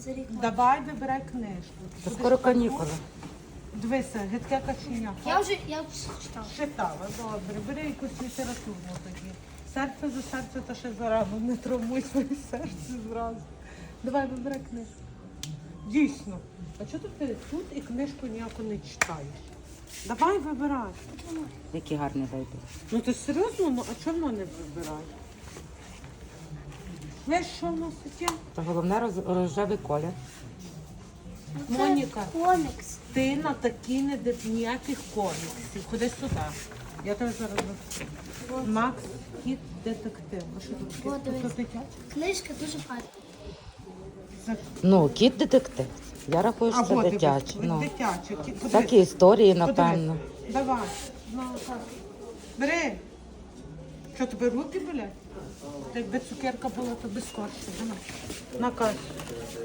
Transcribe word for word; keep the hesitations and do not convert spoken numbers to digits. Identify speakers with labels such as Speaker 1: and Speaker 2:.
Speaker 1: за рік.
Speaker 2: Давай вибирай книжку.
Speaker 3: Та
Speaker 2: Будеш
Speaker 3: скоро
Speaker 2: таку?
Speaker 3: канікули.
Speaker 2: Дивися, гидке каченя.
Speaker 1: Я вже я вже читала.
Speaker 2: Читала, добре. Бери якусь літературну тоді. Серце за серце, та ще зарано. Не травмуй своє серце зразу. Давай вибирай книжку. Дійсно. А чого ти тут і книжку ніяку не читаєш? Давай вибирай.
Speaker 3: Які гарні вибір.
Speaker 2: Ну ти серйозно? Ну а чому не вибираєш? Знаєш, що в нас таке?
Speaker 3: Та головне роз- рожевий колір.
Speaker 1: Це
Speaker 2: Моніка.
Speaker 1: комікс.
Speaker 2: Ти на такі не див ніяких коміксів. Ходи сюди. Я тебе зараз розкажу. Макс кіт детектив. А що тут
Speaker 1: О,
Speaker 2: таке?
Speaker 1: дивись.
Speaker 2: Тут дитяче?
Speaker 1: Книжка дуже гарна.
Speaker 2: Це-
Speaker 3: Ну, кіт детектив. Я рахую, що
Speaker 2: А,
Speaker 3: це
Speaker 2: от,
Speaker 3: дитяче.
Speaker 2: дивись,
Speaker 3: Ну.
Speaker 2: дитяче. Кі- подивись.
Speaker 3: Такі історії,
Speaker 2: Подивись.
Speaker 3: напевно.
Speaker 2: Давай. Ну, так. Бери. Що, тобі руки болять? Та якби цукерка була, то би скорше. Давай. На касу.